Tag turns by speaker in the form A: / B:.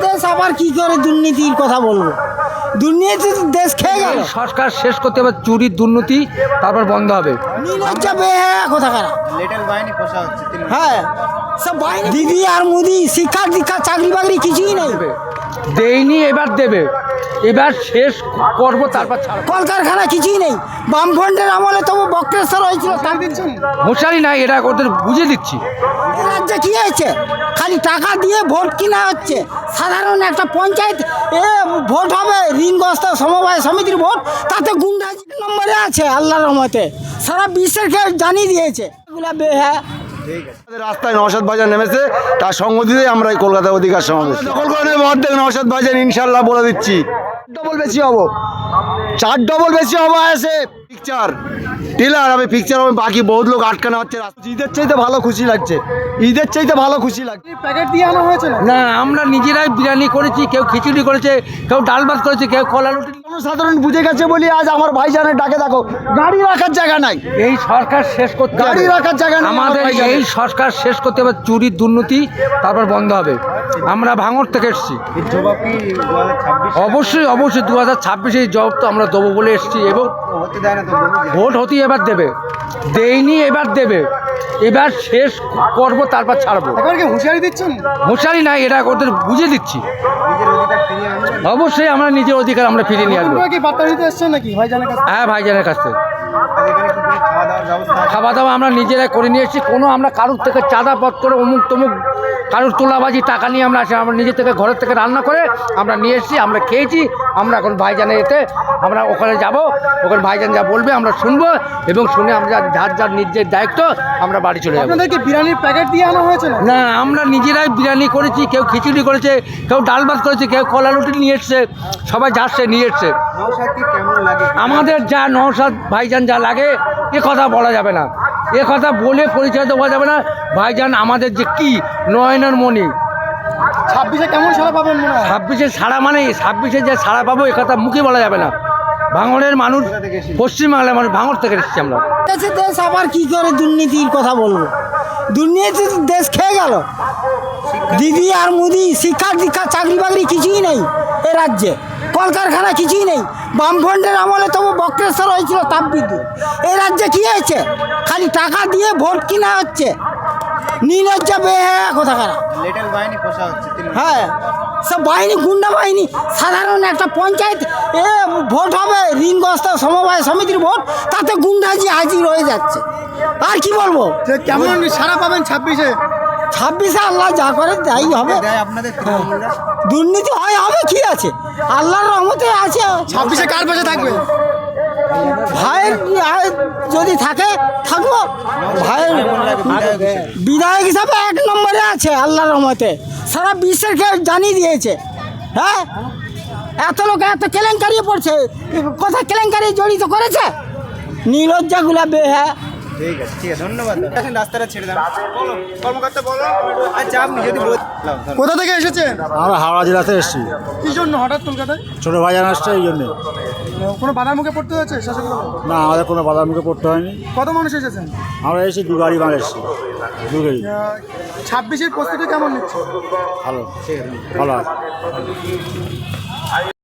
A: দেশ আবার কি করে দুর্নীতির কথা বলবো? দুর্নীতি দেশ খেয়ে গেল।
B: সরকার শেষ করতে হবে চুরির দুর্নীতি, তারপর বন্ধ হবে।
A: নির্লজ্জা বেহায়া কোথাকার।
C: লিটল বাহিনী পোষা হচ্ছে
A: হ্যাঁ, সব বাহিনী দিদি আর মোদি শিক্ষা দীক্ষা চাকরি বাকরি কিছুই নেই।
B: দেয়নি, এবার দেবে, এবার শেষ করবো, তারপর ছাড়বো।
A: কলকারখানা কিছুই নেই। বামফ্রন্টের আমলে তবু বক্রেশ্বর হয়েছিল।
B: মশারি নাই, এটা ওদের বুঝিয়ে দিচ্ছি।
A: এই রাজ্যে কি হয়েছে? খালি টাকা দিয়ে ভোট কিনা হচ্ছে। সাধারণ একটা পঞ্চায়েত ভোট হবে, ঋণগ্রস্ত সমবায় সমিতির ভোট, তাতে গুন্ডাজি নম্বরে আছে আল্লাহর রহমতে। সারা বিশ্বের কেউ জানিয়ে দিয়েছে এগুলা বেহ্যা।
D: রাস্তায় নওশাদ ভাইজান নেমেছে, তার সঙ্গ দিতেই আমরা এই কলকাতা অধিকার সমাবেশ দখল করে নেব। অর্ধেক নওশাদ ভাইজান ইনশাল্লাহ বলে দিচ্ছি, ডবল বেশি হবো, 4 ডবল বেশি হবো। আছে পিকচার টিলার হবে, পিকচার হবে, বাকি বহুত লোক আটকানো হচ্ছে। ঈদের চাইতে ভালো খুশি লাগছে, ঈদের চাইতে ভালো খুশি লাগছে।
C: প্যাকেট দিয়ে আনা হয়েছে
B: না, আমরা নিজেরাই বিরিয়ানি করেছি, কেউ খিচুড়ি করেছে, কেউ ডাল ভাত করেছে, কেউ কলা রুটি।
D: সাধারণ বুঝে গেছে বলি আজ আমার ভাইজানের ডাকে দেখো গাড়ি রাখার জায়গা নাই।
B: এই সরকার শেষ করতে হবে,
D: গাড়ি রাখার জায়গা নেই
B: আমাদের এই সরকার শেষ করতে হবে চুরির দুর্নীতি, তারপর বন্ধ হবে। আমরা ভাঙড় থেকে এসেছি।
C: জবাব কি 2026
B: অবশ্যই অবশ্যই 2026 এই জব তো আমরা দেবো বলে এসেছি, এবং
C: হতে দেয় না তো?
B: ভোট হতেই এবার দেবে, দেয়নি এবার দেবে, এবার শেষ করবো, তারপর ছাড়বো।
C: এবার কি হুঁশিয়ারি দিচ্ছেন?
B: মশারি নাই, এটা ওদের বুঝিয়ে দিচ্ছি।
C: নিজের অধিকার ফিরিয়ে আনবেন?
B: অবশ্যই আমরা নিজের অধিকার আমরা ফিরিয়ে নিয়ে আসবো।
C: আপনারা কি বার্তা দিতে এসছেন নাকি ভাইজানের কাছে?
B: হ্যাঁ, ভাইজানের কাছ থেকে
C: আর এখানে কি করে খাওয়া দাওয়ার ব্যবস্থা আছে?
B: খাওয়া দাওয়া আমরা নিজেরাই করে নিয়ে এসেছি। কোনো আমরা কারোর থেকে চাঁদা পথ করে অমুক তমুক কারোর তোলাবাজি টাকা নিয়ে আমরা আসি, আমরা নিজে থেকে ঘরের থেকে রান্না করে আমরা নিয়ে এসেছি, আমরা খেয়েছি। আমরা এখন ভাইজানের এতে আমরা ওখানে যাব, ওখানে ভাইজান যা বলবে আমরা শুনবো, এবং শুনে আমরা যার যার নিজের দায়িত্ব আমরা বাড়ি চলে যাবো।
C: আপনাদের কি বিরিয়ানির প্যাকেট দিয়ে আনা হয়েছে না?
B: না, আমরা নিজেরাই বিরিয়ানি করেছি, কেউ খিচুড়ি করেছে, কেউ ডাল ভাত করেছে, কেউ কলা রুটি নিয়ে এসছে, সবাই যাচ্ছে নিয়ে এসছে।
C: নওশাদ কি কেমন লাগে?
B: আমাদের যা নওশাদ ভাইজান যা লাগে এ কথা বলা যাবে না, এ কথা বলে পরিচয় দেওয়া যাবে না। ভাইজান আমাদের যে কি নয়নের মণি।
C: 26-এ কেমন সাড়া পাবেন মনে হয়?
B: 26-এ সাড়া মানে 26-এ যে সাড়া পাবো এ কথা মুখে বলা যাবে না। ভাঙড়ের মানুষ, পশ্চিমবাংলার মানুষ, ভাঙড় থেকে এসেছি আমরা।
A: দেশ আবার কি করে দুর্নীতির কথা বলবো? দুর্নীতি দেশ খেয়ে গেল। দিদি আর মোদি শিক্ষা দীক্ষা চাকরি বাকরি কিছুই নেই এ রাজ্যে। কলকারখানা কিছুই নেই। বামফ্রন্টের আমলে তবু বক্রেশ্বর হয়েছিল তাপবিদ্যুৎ। এই রাজ্যে কি হয়েছে? খালি টাকা দিয়ে ভোট কিনা হচ্ছে। নির্লজ্জা বেহায়া কোথাকার।
C: লিটল বাহিনী পোষা হচ্ছে
A: হ্যাঁ, সব বাহিনী গুন্ডা বাহিনী। সাধারণ একটা পঞ্চায়েত ভোট হবে, ঋণগ্রস্ত সমবায় সমিতির ভোট, তাতে গুন্ডাজি হাজির হয়ে যাচ্ছে। আর কি বলবো?
C: কেমন সাড়া পাবেন 26-এ?
A: 26-এ আল্লাহ যা করে তাই হবে।
C: দেয় আপনাদের তৃণমূলরা?
A: দুর্নীতি হয়, হবে, কি আছে, আল্লাহর রহমতে আছে।
C: 26-এ কার পাশে থাকবে?
A: ভাইয়ের যদি থাকে থাকবো। ভাইয়ের বিধায়ক হিসাবে 1 নম্বরে আছে আল্লাহর রহমতে। সারা বিশ্বের কেউ জানিয়ে দিয়েছে। হ্যাঁ, এত লোক এত কেলেঙ্কারি পড়ছে, কোথায় কেলেঙ্কারি জড়িত করেছে? নির্লজ্জাগুলা বেহ্যা।
C: ঠিক আছে, ঠিক আছে, ধন্যবাদ। এখন রাস্তাটা ছেড়ে দাও। বলো কর্মকর্তা, বলো। আচ্ছা, আপনি যদি কোথা থেকে এসেছেন?
D: আমরা হাওড়া জেলাতে এসেছি,
C: কি জন্য হঠাৎ কলকাতায়?
D: ছোটো ভাইজান আসছে এই জন্যে।
C: কোনো বাধার মুখে পড়তে হয়েছে শাসক?
D: না, আমাদের কোনো বাধার মুখে পড়তে হয়নি।
C: কত মানুষ এসেছেন?
D: আমরা এসেছি 2 গাড়ি মাল এসেছি, 2 গাড়ি।
C: 26-এর প্রস্তুতি কেমন নিচ্ছে?
D: ভালো, ভালো আছে।